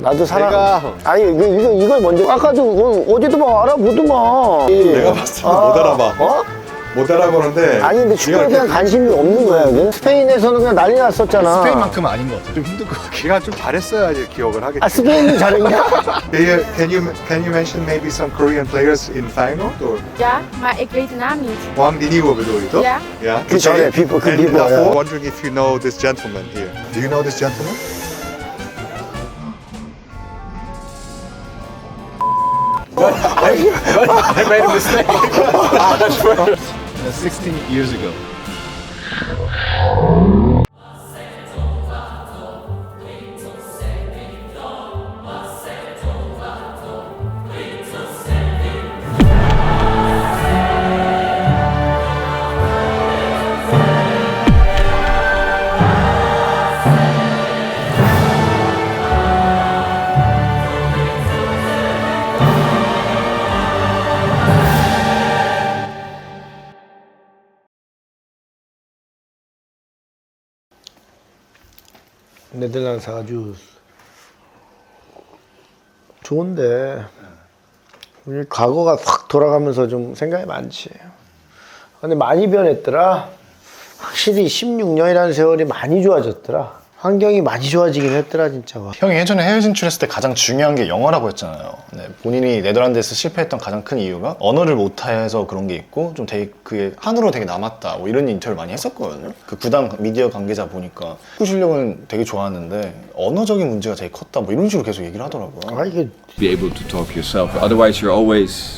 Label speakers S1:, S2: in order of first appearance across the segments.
S1: 나도 아니 이걸 먼저 아까도 어제도 막 알아보더만.
S2: 내가 봤을 때 못 알아봐.
S1: 어?
S2: 못 알아보는데.
S1: 아니 근데 축구에 대한 관심이 없는 거야. 이게? 스페인에서는 그냥 난리 났었잖아.
S3: 스페인만큼은 아닌 것 같아. 좀 힘들 것 같아.
S2: 네가 좀 잘했어야지 기억을 하겠지.
S1: 아 스페인이 잘했냐?
S2: Can you mention maybe some Korean players in Feyenoord? Or?
S4: Ja, maar ik weet de naam niet.
S2: Wang Di Nieuwe bedoel je toch?
S4: Ja.
S2: Ja.
S1: 그 전에 비포 그
S2: And
S1: 비포.
S2: daarvoor, wondering if you know this gentleman here. Do you know this gentleman?
S3: I made a mistake. That's right. 16 years ago.
S1: 네덜란드가 아주 좋은데 과거가 확 돌아가면서 좀 생각이 많지. 근데 많이 변했더라. 확실히 16년이라는 세월이 많이 좋아졌더라. 환경이 많이 좋아지긴 했더라 진짜.
S3: 형이 예전에 해외 진출했을 때 가장 중요한 게 영어라고 했잖아요. 네, 본인이 네덜란드에서 실패했던 가장 큰 이유가 언어를 못해서 그런 게 있고 좀 되게 그게 한으로 되게 남았다 뭐 이런 인터뷰를 많이 했었거든요. 그 구단 미디어 관계자 보니까 축구 실력은 되게 좋았는데 언어적인 문제가 되게 컸다 뭐 이런 식으로 계속 얘기를 하더라고요.
S1: 아 이게
S5: be able to talk yourself. Otherwise, you're always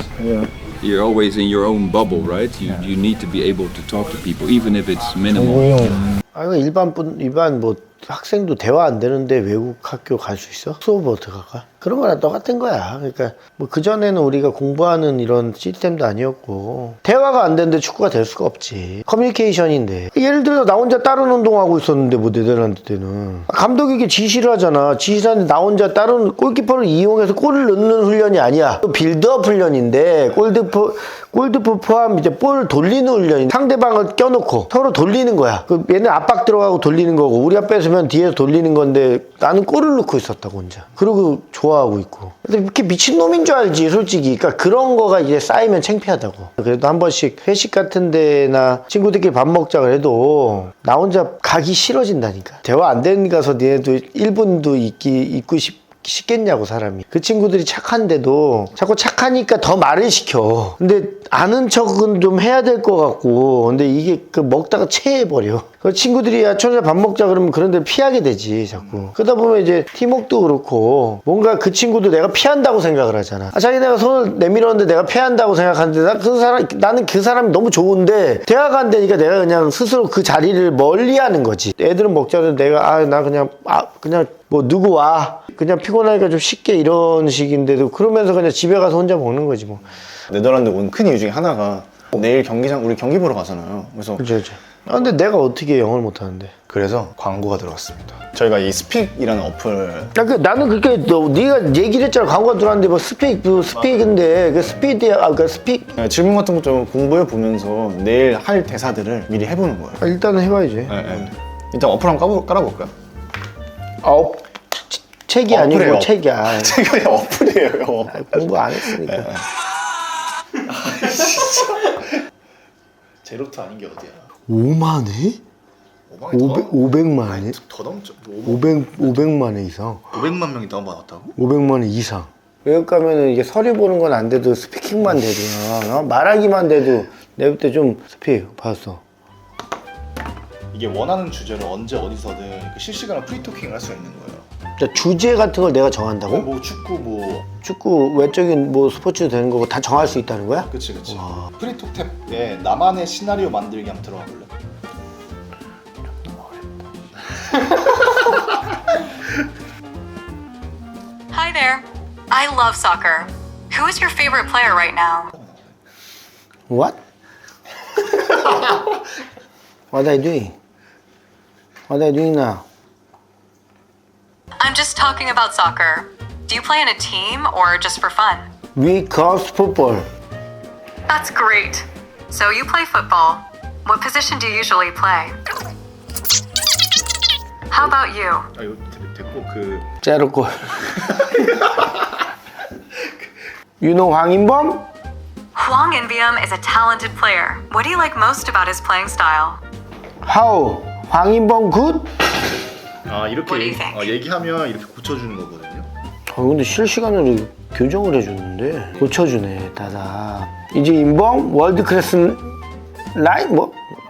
S5: in your own bubble, right? You need to be able to talk to people, even if it's minimal.
S1: 아 이거 일반 뭐 학생도 대화 안 되는데 외국 학교 갈 수 있어? 수업 어떡할까? 그런 거랑 똑같은 거야. 그러니까 뭐 그전에는 우리가 공부하는 이런 시스템도 아니었고 대화가 안 되는데 축구가 될 수가 없지. 커뮤니케이션인데 예를 들어 나 혼자 다른 운동하고 있었는데 뭐 네덜란드 때는 감독에게 지시를 하잖아. 지시를 하는데 나 혼자 다른 골키퍼를 이용해서 골을 넣는 훈련이 아니야. 빌드업 훈련인데 골드프 포함 이제 볼 돌리는 훈련인데 상대방을 껴놓고 서로 돌리는 거야. 그 얘는 압박 들어가고 돌리는 거고 우리가 뺏으면 뒤에서 돌리는 건데 나는 골을 넣고 있었다고 혼자. 그리고 좋아하고 있고. 근데 이렇게 미친놈인 줄 알지 솔직히. 그러니까 그런 거가 이제 쌓이면 창피하다고. 그래도 한 번씩 회식 같은 데나 친구들끼리 밥 먹자 그래도 나 혼자 가기 싫어진다니까. 대화 안 되는 가서 니네도 1분도 있고 싶겠냐고 사람이. 그 친구들이 착한데도 자꾸 착하니까 더 말을 시켜. 근데 아는 척은 좀 해야 될 것 같고 근데 이게 그 먹다가 체해버려. 그 친구들이 야 천천히 밥 먹자 그러면 그런 데를 피하게 되지 자꾸. 그러다 보면 이제 팀워크도 그렇고 뭔가 그 친구도 내가 피한다고 생각을 하잖아. 자기네가 손을 내밀었는데 내가 피한다고 생각하는데 나는 그 사람이 너무 좋은데 대화가 안 되니까 내가 그냥 스스로 그 자리를 멀리하는 거지. 애들은 먹자는데 내가 나 그냥 뭐 누구 와 그냥 피곤하니까 좀 쉽게 이런 식인데도 그러면서 그냥 집에 가서 혼자 먹는 거지 뭐.
S3: 네덜란드 온 큰 이유 중에 하나가 내일 경기장 우리 경기 보러 가잖아요. 그래서
S1: 그렇죠. 근데 내가 어떻게 영어를 못하는데?
S3: 그래서 광고가 들어왔습니다. 저희가 이 스픽이라는 어플
S1: 나는 그렇게 네가 얘기를 했잖아. 광고가 들어왔는데 뭐 스픽인데 그 스피드야. 그 스픽
S3: 질문 같은 거 좀 공부해 보면서 내일 할 대사들을 미리 해보는 거예요.
S1: 일단은 해봐야지.
S3: 네. 일단 어플 한번 깔아볼까요?
S1: 책이 아니고
S3: 어플이에요.
S1: 책이야.
S3: 제가 어플이에요.
S1: 공부 안 했으니까.
S3: 제로트 아닌 게 어디야?
S1: 5만 회? 500만 회?
S3: 더 넘죠.
S1: 500만 회 이상.
S3: 500만 명이 다운받았다고?
S1: 500만 회 이상. 외국 가면은 이게 서류 보는 건 안 돼도 스피킹만 돼도 말하기만 돼도 내가 때 좀 스픽 봤어.
S3: 이게 원하는 주제를 언제 어디서든 실시간으로 프리토킹을 할 수 있는 거예요.
S1: 주제 같은 걸 내가 정한다고?
S3: 뭐
S1: 축구 외적인 뭐 스포츠 되는 거고 다 정할 수 있다는 거야?
S3: 그치. 프리톡 탭에 나만의 시나리오 만들기 한번 들어가 볼래?
S6: Hi there. I love soccer. Who is your favorite player right now?
S1: What? What are you doing? What are you doing now?
S6: I'm just talking about soccer. Do you play in a team or just for fun?
S1: We cross football.
S6: That's great. So you play football. What position do you usually play? How about you?
S3: 이거 됐고 그
S1: 제로골. 유노 황인범?
S6: Hwang In-beom is a talented player. What do you like most about his playing style?
S1: 하우 황인범 굿?
S3: 아
S6: What do you
S3: 이렇게
S6: think?
S3: 얘기하면 이렇게 고쳐주는 거거든요.
S1: 근데 실시간으로 교정을 해주는데 고쳐주네 따다. 이제 인범 월드 클래스 라인 뭐?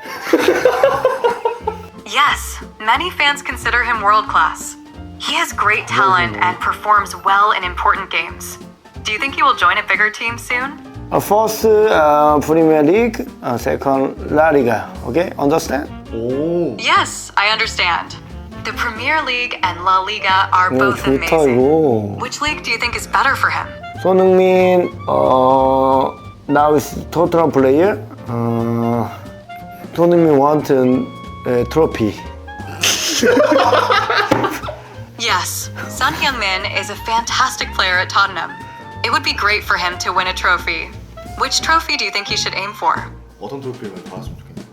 S6: Yes, many fans consider him world class. He has great talent and performs well in important games. Do you think he will join a bigger team soon?
S1: First Premier League, second La Liga. Okay, understand?
S3: 오.
S6: Yes, I understand. The Premier League and La Liga are both
S1: 좋다
S6: amazing.
S1: 이거.
S6: Which league do you think is better for him?
S1: 손흥민 now is Tottenham player. 손흥민 want trophy.
S6: Yes, Son Heung-min is a fantastic player at Tottenham. It would be great for him to win a trophy. Which trophy do you think he should aim for?
S3: 어떤 트로피를 받았으면 좋겠나요?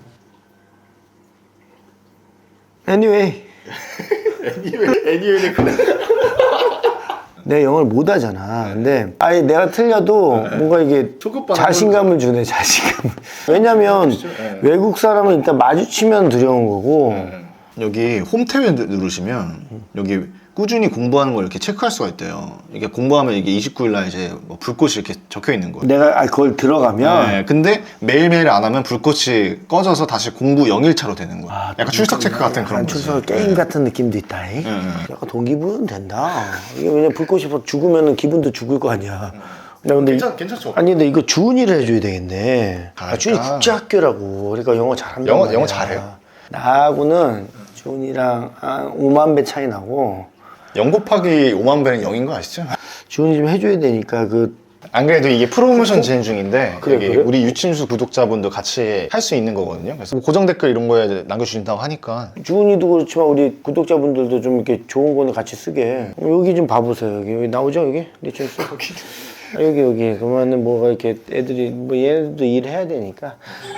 S1: Anyway,
S3: 애니메이션 그냥
S1: 내 영어를 못 하잖아. 근데 아예 내가 틀려도 뭔가 이게
S3: 초급반
S1: 자신감을 주네, 자신감을. 왜냐면 외국 사람은 일단 마주치면 두려운 거고.
S3: 여기 홈 탭에 누르시면 여기 꾸준히 공부하는 걸 이렇게 체크할 수가 있대요. 이게 공부하면 이게 29일 날 이제 뭐 불꽃이 이렇게 적혀 있는 거예요.
S1: 내가 그걸 들어가면
S3: 네, 근데 매일매일 안 하면 불꽃이 꺼져서 다시 공부 0일차로 되는 거야. 약간 출석 체크 같은 그런 거지.
S1: 출석 게임 같은 느낌도 있다. 약간 동기부여는 된다. 이게 왜냐면 불꽃이 죽으면 기분도 죽을 거 아니야. 나 근데
S3: 괜찮죠?
S1: 아니 근데 이거 주은이를 해줘야 되겠네.
S3: 아,
S1: 주은이
S3: 그러니까.
S1: 국제학교라고. 그러니까 영어 잘한다.
S3: 영어 잘해요.
S1: 나하고는 주은이랑 한 5만 배 차이 나고.
S3: 0 곱하기 5만 배는 0인 거 아시죠?
S1: 주은이 좀 해줘야 되니까
S3: 안 그래도 이게 프로모션 진행 중인데
S1: 그래,
S3: 여기
S1: 그래?
S3: 우리 유친수 구독자분도 같이 할 수 있는 거거든요. 그래서 뭐 고정 댓글 이런 거에 남겨주신다고 하니까
S1: 주은이도 그렇지만 우리 구독자분들도 좀 이렇게 좋은 거는 같이 쓰게. 여기 좀 봐보세요. 여기 나오죠 여기? 리천스? 여기 그러면은 뭐가 이렇게 애들이 뭐 얘네들도 일해야 되니까.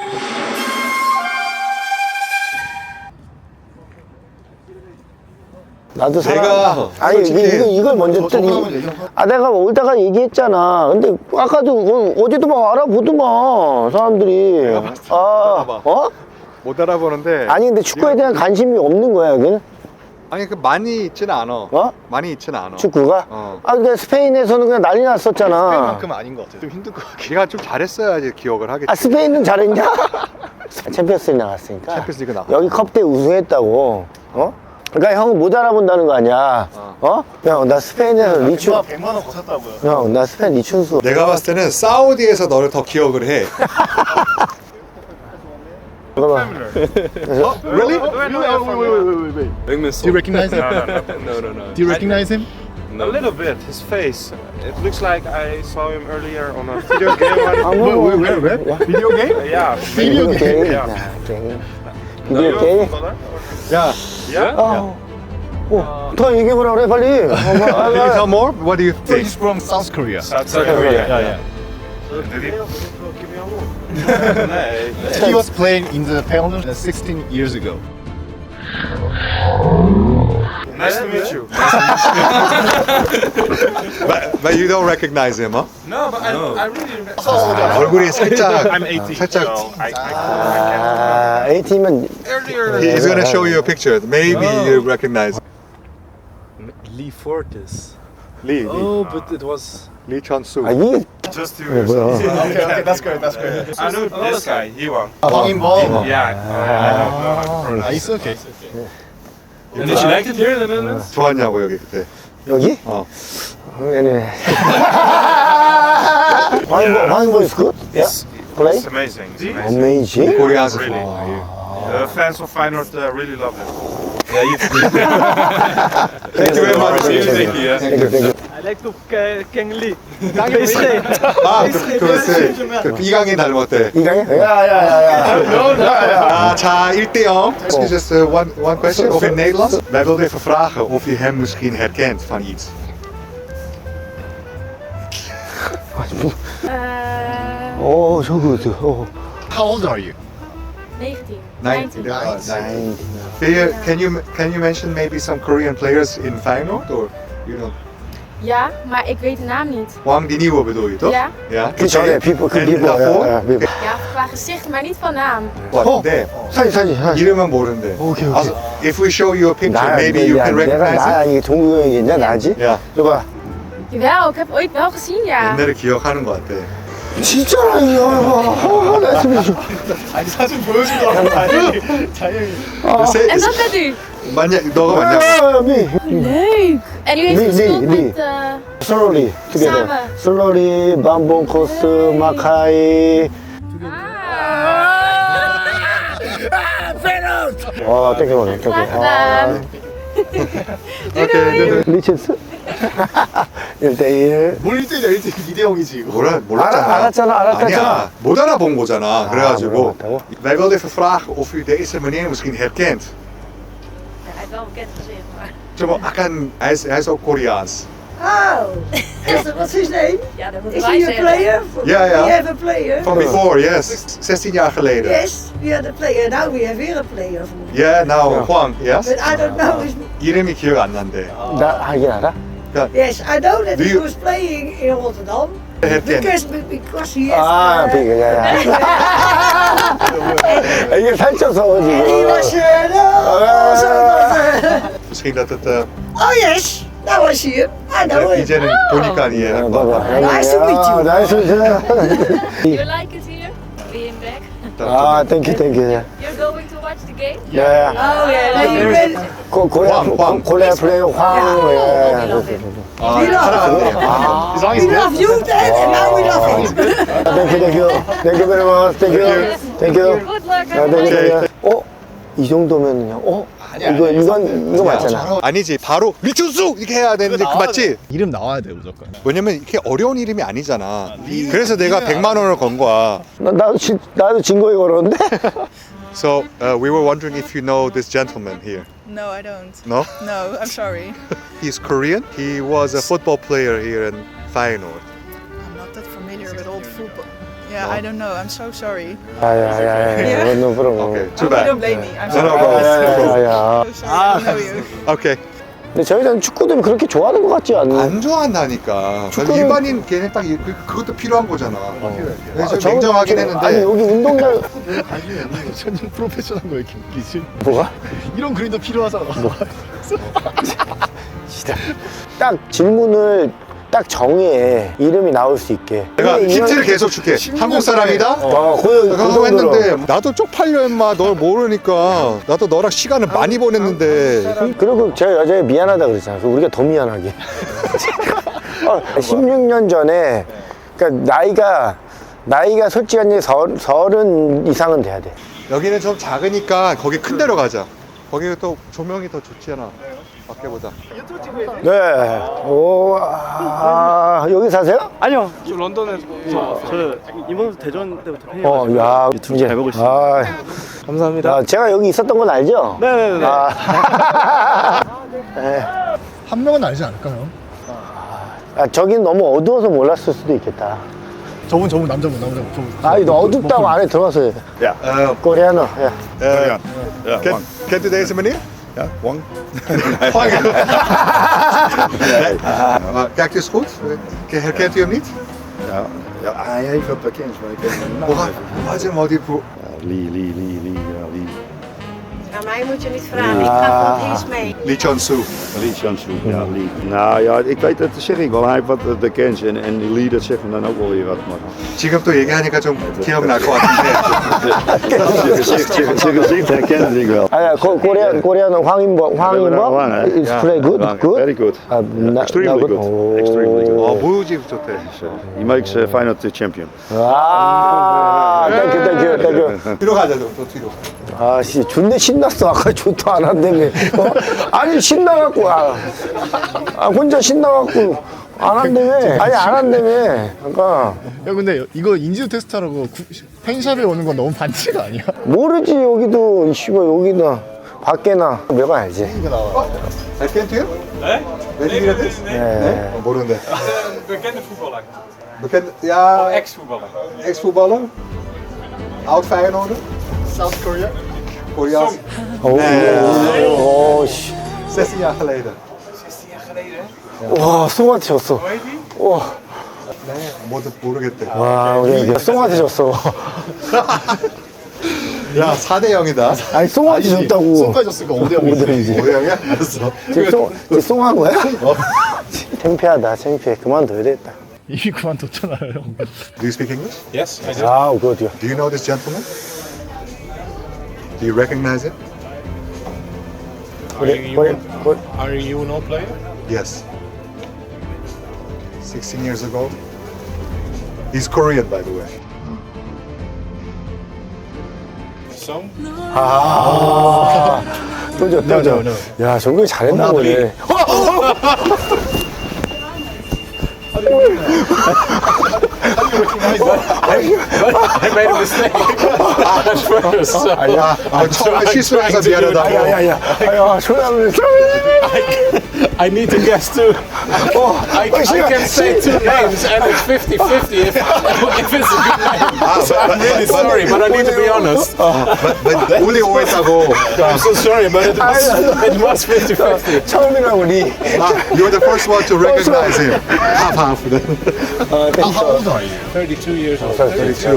S1: 나도 아니 이걸 먼저 내가 올다가 얘기했잖아. 근데 아까도 어제도 막 알아보더만 사람들이.
S2: 못 알아보는데.
S1: 아니 근데 축구에 대한 관심이 없는 거야 여기는.
S2: 아니 그 많이 있지는 않아. 많이 있지는 않아.
S1: 축구가?
S2: 어.
S1: 그러니까 스페인에서는 그냥 난리 났었잖아.
S3: 스페인만큼은 아닌 것 같아요. 좀 힘들 것 같아요.
S2: 네가 좀 잘했어야지 기억을 하겠지.
S1: 스페인은 잘했냐? 챔피언스리그 나갔으니까.
S2: 챔피언스리그 나갔어.
S1: 여기 컵대 우승했다고. 그러니까 형은 못 알아본다는 거 아니야. 형, 나 스페인에서 리춘.
S3: 100만 원 거셨다고요.
S1: 형, 나 스페인 리춘수.
S2: 내가 봤을 때는 사우디에서 너를 더 기억을 해.
S1: 잠깐만.
S2: Really?
S7: Do you recognize him? No. Do you recognize him?
S8: A little bit, his face. It looks like I saw him earlier on a video game.
S7: Where? Video game?
S8: Yeah.
S1: 비디오 게임.
S8: Yeah.
S1: 게임.
S8: Are
S1: 비디오
S8: you
S1: 게임.
S8: a footballer?
S2: 야,
S8: Yeah?
S1: 더 얘기해보라 그래, 빨리.
S2: can you tell more? What do you think?
S7: He's from South Korea.
S8: South Korea.
S7: Yeah.
S8: Did he give me a look? Nee.
S7: He was playing in the Pelham 16 years ago.
S8: Nice to meet you.
S2: But you don't recognize him, huh?
S8: No, but I really.
S2: 얼굴이 살짝.
S8: I'm 18.
S2: 살짝.
S8: So I can't.
S1: A팀은
S8: Earlier.
S2: He's gonna show you a picture. Maybe you recognize.
S8: Lee Fortis.
S2: Lee.
S8: Oh, but it was.
S2: Lee Chun-soo.
S1: 이게
S8: Just 2 years.
S1: 뭐야?
S3: Okay, that's great. That's great.
S8: I know this guy. He won.
S3: 황인범.
S8: Yeah.
S7: It's okay.
S8: And did you like it here in the Netherlands?
S2: 좋았냐고 여기 그때.
S1: 여기? anyway. 황인범 is good? Yeah? Play?
S8: It's amazing. It's amazing.
S1: Amazing.
S2: 코리아에서
S8: Really?
S2: 좋아.
S8: The fans of Feyenoord really love it.
S2: Thank you very much.
S1: Thank you.
S9: I like to King Lee.
S2: 아, 그 이강인 닮았대.
S1: 이강인? 야야야야.
S2: 자, 1-0. Just one question. Of in Nederlands. Wij wilden even vragen of je hem misschien herkent van iets.
S1: 저거.
S7: How old are you?
S4: 19.
S2: 19. Can you mention maybe some Korean players in Feyenoord or you know?
S4: Ja, maar ik weet de naam niet.
S2: Wang die nieuwe bedoel je toch?
S4: Ja.
S2: Ja.
S1: 그 전에 people, 그
S2: En
S1: people.
S2: daarvoor?
S1: 야, people.
S4: Ja, qua gezicht, maar niet van naam.
S2: 네.
S1: 사진.
S2: 이름은 모르는데.
S1: 오케이.
S2: If we show you a picture,
S1: 나,
S2: maybe you can
S1: 내가
S2: recognize
S1: 나
S2: it.
S1: 아니 동구 형이겠냐 나지?
S2: 야,
S1: 줘봐.
S4: Jawel, ik heb ooit wel gezien, ja.
S2: 옛날에 기억하는 것 같아.
S1: 진짜라 이거. 나 지금
S3: 아니 사진 보여주더라고.
S4: En dat bent u.
S2: 너가 맞냐?
S1: 미.
S4: Leuk. En u heeft
S1: Nee,
S4: gespeeld
S1: nee,
S4: met...
S1: 슬로리 together.
S4: 사마.
S1: 슬로리 밤봉 코스 마카이. 와 땡겨버려.
S4: Graag gedaan.
S2: 오케이.
S1: 리체스. 1대1.
S3: 뭘 1대1이야 2대 0이지 이거.
S2: 몰랐잖아.
S1: 알았잖아.
S2: 아니야, 못 알아본 거잖아. 그래가지고
S1: 몰랐다고?
S2: wij wilden even vragen of u deze meneer misschien herkent.
S4: Hij heeft wel een bekend gezicht, maar...
S2: 좀 약간 hij is ook Koreaans.
S10: What's his name?
S4: Ja, dat
S10: Is
S4: moeten
S10: he
S4: wij
S10: a
S4: zeggen.
S10: player?
S2: Ja, ja.
S10: We have a player.
S2: Van before, yes. 16 jaar geleden.
S10: Yes, we had a player. Now we have here a player.
S2: Yeah, nou, Juan, yes.
S10: But I don't know his...
S2: 이름이 기억 안 난대.
S1: 나 하긴 알아?
S10: Yes, I know that
S2: Do
S10: he
S2: you-
S10: was playing in Rotterdam.
S2: herken.
S10: Because he has...
S1: 아, 비그야. 이게 살쪄서
S10: And he
S1: 지금.
S10: was... no, so
S2: Misschien dat het
S10: oh yes, now I see him. I know him.
S2: 이제는 보니까 이해할 것 같아.
S10: Nice to meet you.
S1: 나이스 to
S4: You like it here? Being back?
S1: 아, 땡큐.
S4: You're going to watch the game?
S1: 네.
S10: Oh yeah, no, you ready?
S2: 황.
S1: 고레아 플레이어 황.
S2: 아,
S10: We love
S2: 사랑하는데요.
S10: We love you then, and now we love him.
S1: 땡큐 very much. 땡큐.
S4: Good luck.
S1: 땡큐. 이 정도면요. 이거 맞잖아.
S2: 아니지, 바로 미춘수 이렇게 해야 되는데 그 맞지?
S3: 이름 나와야 돼 무조건.
S2: 왜냐면 이렇게 어려운 이름이 아니잖아. 그래서 내가 100만 원을 건 거야.
S1: 나도 증거에 걸었는데.
S2: So we were wondering if you know this gentleman here.
S11: No, I don't.
S2: No?
S11: No, I'm sorry.
S2: He's Korean. He was a football player here in Feyenoord.
S11: I'm not that familiar with old football. Yeah, I don't know. I'm so sorry.
S1: 야야야야. no problem.
S2: Okay, too bad.
S11: Don't blame me. I'm
S2: No, no
S11: sorry.
S2: problem.
S1: 야야야.
S11: So sorry. I don't know you.
S2: Okay.
S1: 근데 저희는 축구도 그렇게 좋아하는 것 같지 않나?
S2: 안 좋아한다니까.
S1: 축구는-
S2: 일반인 걔네 딱 그것도 필요한 거잖아. 그래서
S1: 저는
S2: 냉정하긴
S1: 아니
S2: 했는데
S1: 여기 운동장
S3: 전혀 프로페셔널한 거 왜 이렇게 웃기지?
S1: 뭐가?
S3: 이런 그림도 필요하잖아.
S1: 딱 질문을 딱 정해 이름이 나올 수 있게.
S2: 내가
S1: 근데
S2: 힌트를
S1: 이건-
S2: 계속 줄게. 한국 사람이다?
S1: 그
S2: 그거 했는데 나도 쪽팔려 임마. 널 모르니까 나도 너랑 시간을 많이 보냈는데
S1: 그리고 저 여자애 미안하다 그랬잖아. 우리가 더 미안하게. 16년 전에 그러니까 나이가 솔직히 서른 이상은 돼야 돼.
S2: 여기는 좀 작으니까 거기 큰 데로 가자. 거기 또 조명이 더 좋잖아. 밖에보다.
S1: 네. 여기 사세요?
S9: 아니요, 저 런던에서 저 이번 대전 때부터 팬이에요.
S1: 야,
S9: 유튜브 잘 보고 있습니다. 감사합니다.
S1: 제가 여기 있었던 건 알죠?
S9: 네네네.
S1: 네.
S3: 한 명은 알지 않을까요?
S1: 저긴 너무 어두워서 몰랐을 수도 있겠다.
S3: 저분 남자분.
S1: 너 어둡다고 안에 들어갔어요. 코리아노. 야.
S2: Kent u deze meneer?
S5: Ja, Wang.
S2: Wang. Maar kijkt u eens goed? Herkent u hem niet?
S5: Ja, hij heeft wat bekend, maar ik ken hem niet.
S2: Wat is hem al die
S5: Lee.
S10: Aan mij moet je niet vragen, ik ga van eens mee.
S2: Lee Chon-soo.
S5: Lee Chansu, ja, Lee. Nou ja, ik weet dat zeg ik wel. Hij heeft wat bekend en die Lee, dat zegt me dan ook wel weer wat. Maar
S2: 지금 또 얘기하니까 좀 기억날 것 같은데.
S5: zijn gezicht herkende ik wel.
S1: 코리아노 황인범. It's play good.
S5: Very good. Extremely good. Extremely good.
S2: 모유집 좋대.
S5: He makes Feyenoord the champion.
S1: 땡큐.
S2: 뒤로 가자, 또 뒤로.
S1: 존나 신났어. 아까 좋도 안 한다며. 아니, 신나갖고. 혼자 신나갖고. 안 한다며. 아니, 안 한다며. 그러니까.
S3: 야 근데 이거 인지도 테스트하라고 팬샵에 오는 건 너무 반칙 아니야?
S1: 모르지, 여기도. 여기다. 밖에나. 몇번 알지.
S2: Herkent u hem? Nee. Weet je wie dat is?
S1: Nee.
S2: 모르는데.
S8: Bekende voetballer.
S2: Bekend? Ja.
S8: Ex-voetballer.
S2: Ex-voetballer? Oud Feyenoorder? South Korea? Koreaans?
S1: 오, 씨.
S2: 16 jaar geleden.
S1: 와, 송한테 졌어. 와,
S2: 모르겠대.
S1: 와, 우리 송한테 졌어.
S2: 야, 4대 0이다.
S1: 아니, 송한테 졌다고.
S7: 송까지 졌으니까 5대 0이지.
S2: 5대 0이야? 알았어.
S1: 지금 송한 거야? 창피하다, 창피해. 그만둬야 되겠다.
S9: 이미 그만뒀잖아요.
S2: Do you speak English?
S8: Yes, I do.
S1: 아, 그거요.
S2: Do you know this gentleman? Do you recognize him?
S8: Are you an old player?
S2: Yes. 16 years ago. He's Korean, by the way.
S8: Song?
S1: 아, 또 져. 야, 정국이 잘했나 보네.
S8: I made a mistake at first. So
S2: 처음에 실수해서 미안하다고.
S1: 야, 소리하면
S8: I need to guess too. I can say two names and it's 50-50 if it's a good name. So I'm really sorry, but I need to be honest.
S2: 우리 오해하고.
S8: I'm so sorry, but it was 50-50.
S1: 처음이라고 우리.
S2: You're the first one to recognize him. Half.
S8: How old are you? 32 years old.
S2: 32.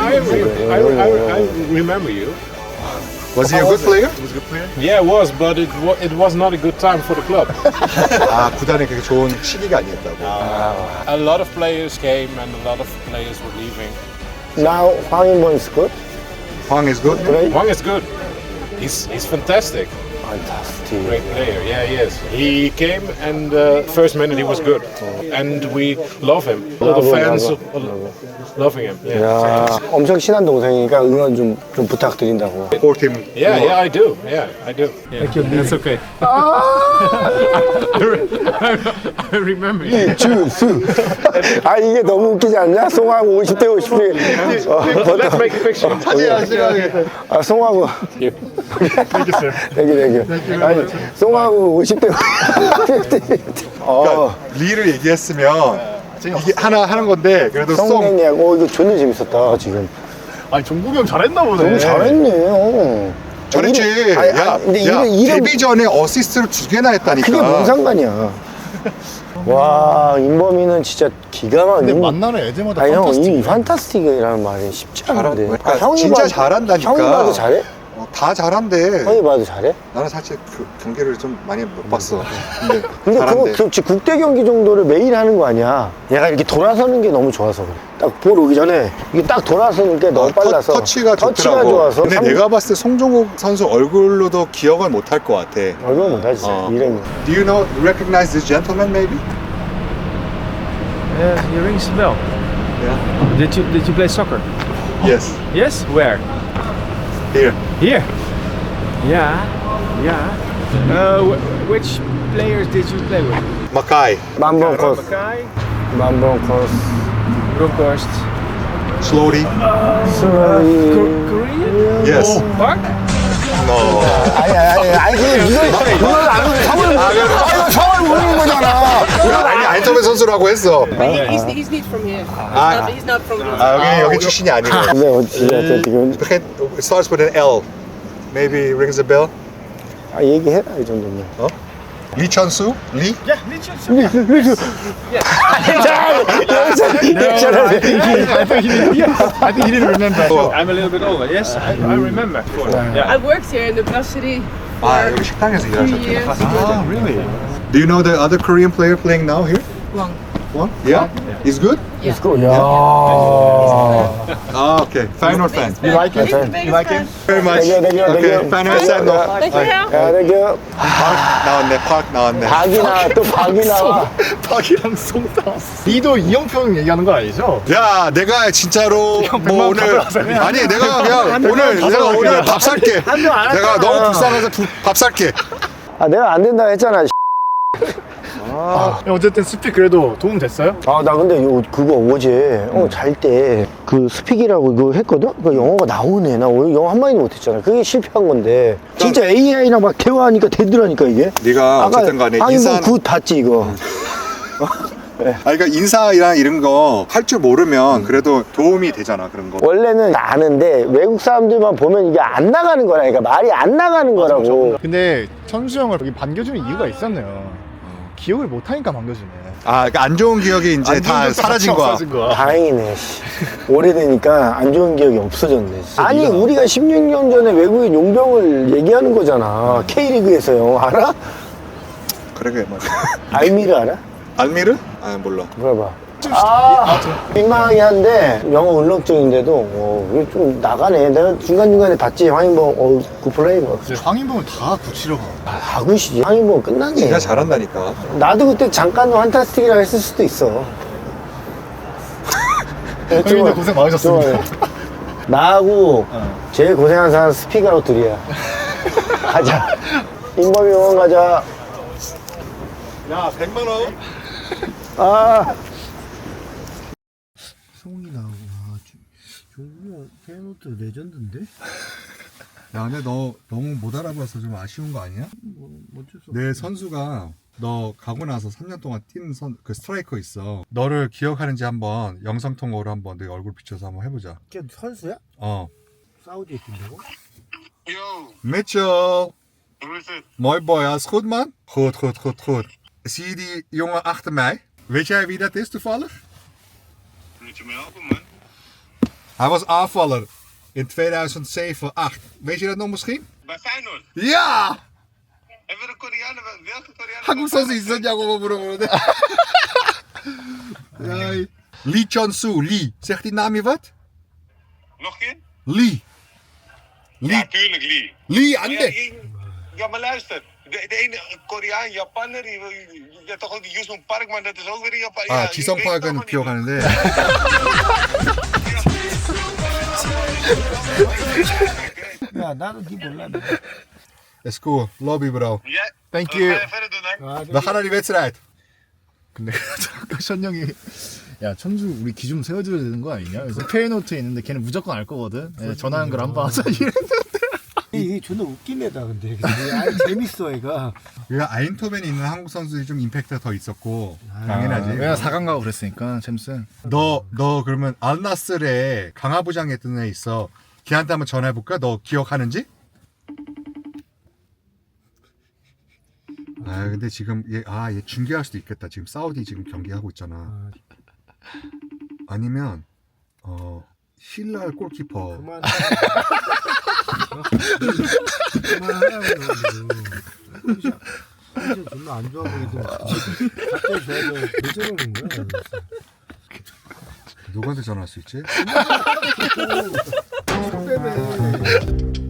S8: I remember you.
S2: Was he a good player?
S8: Yeah, it was, but it was not a good time for the club.
S2: 아, 구단에 그렇게 좋은 시기가 아니었다고.
S8: A lot of players came and a lot of players were leaving.
S1: Now, 황인범 is good?
S2: Hwang is good?
S8: Hwang is good. He's fantastic.
S1: Fantastic.
S8: Great player. Yeah, he is. He came and first minute he was good, and we love him. All the fans loving him. Yeah.
S1: 야, 엄청 친한 동생이니까 응원 좀 부탁드린다고.
S2: Support him.
S8: Yeah, I do. Yeah, I do. Thank you. That's okay. I remember you.
S1: 주수. 아, 이게 너무 웃기지 않냐? 송하고 50대 50대.
S8: Let's make a picture.
S1: 아, 송하고.
S8: Thank you, sir.
S1: 되게. 아니, 송하고 50대 50대.
S2: 그러니까 리를 얘기했으면 이게 하나 하는 건데 그래도
S1: 성nen이하고 이거 존나 재밌었다 지금.
S9: 아니 종국이 형 잘했나 보네.
S1: 너무 잘했네.
S2: 잘했지.
S1: 근데
S2: 야,
S1: 이름
S2: 데뷔 전에 어시스트를 2개나 했다니까.
S1: 그게 뭔 상관이야. 와, 임범이는 진짜 기가 막히네.
S7: 근데 만나는 애들마다
S1: 아니 형, 이
S7: 판타스틱.
S1: 판타스틱이라는 말이 쉽지 않은데.
S2: 그러니까 진짜 잘한다니까.
S1: 형이 봐도 잘해?
S2: 다 잘한대.
S1: 형이 봐도 잘해?
S2: 나는 사실 그 경기를 좀 많이 못 봤어. 근데
S1: 그거
S2: 잘한대.
S1: 국대 경기 정도를 매일 하는 거 아니야. 얘가 이렇게 돌아서는 게 너무 좋아서 그래. 딱 볼 오기 전에 이게 딱 돌아서는 게 너무 빨라서
S2: 터치가 좋더라고.
S1: 좋아서.
S2: 근데 내가 봤을 때 송종국 선수 얼굴로도 기억을 못 할 것 같아.
S1: 얼굴 못하지. 이름이.
S2: Do you know, recognize this gentleman maybe?
S9: He rings the bell.
S2: Yeah.
S9: Did you play soccer?
S2: Yes.
S9: Yes. Where?
S2: Here.
S9: Here. Yeah. Which players did you play with?
S2: Makai.
S1: 만번 코스.
S9: Makai,
S1: 만번 코스.
S9: Bronkhorst,
S2: Slowly.
S9: Korean?
S2: Yes.
S9: Park?
S2: No.
S1: 아니 그걸 안 성을 모르는 거잖아.
S2: 아니 안토벤 선수라고 했어.
S10: He's not from here. He's not from here.
S2: 아 여기 출신이 아니고.
S1: 근데 어찌됐든
S2: It starts with an L. Maybe rings a bell.
S1: 아 얘기해라 이 정도면.
S2: 리천수? 리?
S9: Yeah, I think he didn't remember. I'm a little bit older. Yes, I remember. Yeah.
S10: I worked here in the brasserie.
S2: 아 여기 식당에서 일하셨구나.
S9: Ah, really?
S2: Do you know the other Korean player playing now here?
S10: Wang.
S2: One? Yeah? He's good?
S1: Let's go. 야.
S2: Ah, okay. Feyenoord fan.
S9: You like it?
S10: You like him?
S2: Very much.
S1: Thank you.
S2: Okay. Feyenoord fan no.
S10: Dankjewel.
S1: 야, 땡큐.
S2: 나왔네. 팍 나왔네.
S1: 박이 나와.
S9: 박이랑 송다. 니도 이영평 얘기하는 거 아니죠?
S2: 야, 내가 진짜로 뭐 오늘 아니 내가 그냥 오늘 밥 살게. 내가 너무 불쌍해서 밥 살게.
S1: 아, 내가 안 된다 했잖아.
S9: 어쨌든 스픽 그래도 도움 됐어요?
S1: 아, 나 근데 그거 어제 잘 때 그 스픽이라고 이거 했거든? 그 영어가 나오네. 나 오늘 영어 한마디도 못했잖아. 그게 실패한 건데. 진짜 AI랑 막 대화하니까 되더라니까 이게.
S2: 네가 어쨌든 간에
S1: 인사 굿 닿지 이거.
S2: 그러니까 인사랑 이런 거 할 줄 모르면 그래도 도움이 되잖아 그런 거.
S1: 원래는 아는데 외국 사람들만 보면 이게 안 나가는 거라니까. 말이 안 나가는 거라고.
S12: 근데 천수 형을 여기 반겨주는 이유가 있었네요. 기억을 못하니까 반겨주네.
S2: 아, 그러니까 안 좋은 기억이 이제 다 사라진 거야.
S1: 다행이네. 오래되니까 안 좋은 기억이 없어졌네. 아니 우리가 16년 전에 외국인 용병을 얘기하는 거잖아. K리그에서요. 알아?
S2: 그러게 맞아.
S1: 알미르 알아?
S2: 알미르? 아 몰라.
S1: 물어봐. 민망하긴 한데 영어 울렁증인데도 이게 좀 나가네. 내가 중간중간에 봤지. 황인범 굿플레이 뭐.
S12: 황인범을 다 굳히려고.
S1: 다 굿이지. 황인범 끝났네.
S2: 진짜 잘한다니까.
S1: 나도 그때 잠깐 환타스틱이라고 했을 수도 있어.
S12: 형님도 고생 많으셨습니다.
S1: 나하고 제일 고생한 사람 스피가로 둘이야. 가자. 인범이 응원 가자.
S2: 야 100만 원.
S1: 아. 성이 나오고 종국이 페노트 레전드인데?
S2: 야 근데 너 너무 못 알아봐서 좀 아쉬운 거 아니야?
S1: 어쩔 수
S2: 내 선수가 너 가고 나서 3년 동안 뛴 그 스트라이커 있어. 너를 기억하는지 한번 영상 통화로 한번 내 얼굴 비춰서 한번 해보자.
S1: 걔 선수야?
S2: 어.
S1: 사우디에 뛴다고?
S2: Mitchell. Mooi boy, alles goed man? Goed. Zie je die jongen achter mij? Weet jij wie dat is toevallig?
S13: Moet je me helpen, man?
S2: Hij was aanvaller in 2007, 8. Weet je dat nog misschien?
S13: Bij Feyenoord?
S2: Ja!
S13: Hebben we de Koreanen, welke Koreanen?
S2: 한국 선수 있었냐고 물어보는데. Ja. Lee Chon-soo, Lee. Zegt die naam je wat?
S13: Nog een keer?
S2: Lee.
S13: Ja, tuurlijk, Lee.
S2: Lee,
S13: Maar
S2: Ande.
S13: ja, maar luister. De ene Koreaan, Japaner, je hebt toch ook die Yusung Park, maar dat is ook weer een Japan.
S2: 아, 지성파악은 기억하는데.
S1: 야 나도 니 몰라.
S2: Let's go. Lobby bro.
S13: Ja,
S12: Thank you.
S13: wat ga je verder doen, hè?
S2: We gaan naar die wedstrijd.
S12: 근데 아까 션 형이 야 천주 우리 기 좀 세워줘야 되는 거 아니냐? 그래서 페이노트에 있는데 걔는 무조건 알 거거든. 예, 전화한 걸 한 번 하자 이랬는데.
S1: 이게 존나 웃긴 애다 근데. 아이 재밌어 애가.
S2: 우리가 아인토벤에 있는 한국 선수들이 좀 임팩트가 더 있었고 당연하지.
S12: 왜냐 4강 가고 그랬으니까 챔스.
S2: 너 그러면 알나스르에 강화부장에 있던 애 있어. 걔한테 한번 전화해볼까? 너 기억하는지? 아 근데 지금 얘 중계할 수도 있겠다. 지금 사우디 지금 경기하고 있잖아. 아니면 힐랄 골키퍼.
S1: 그만하라고. 진짜 존나 안 좋아 보이더니 갑자기 좋아져. 왜 저러는 거야?
S2: 누구한테 전화할 수 있지?
S1: 속 빼네.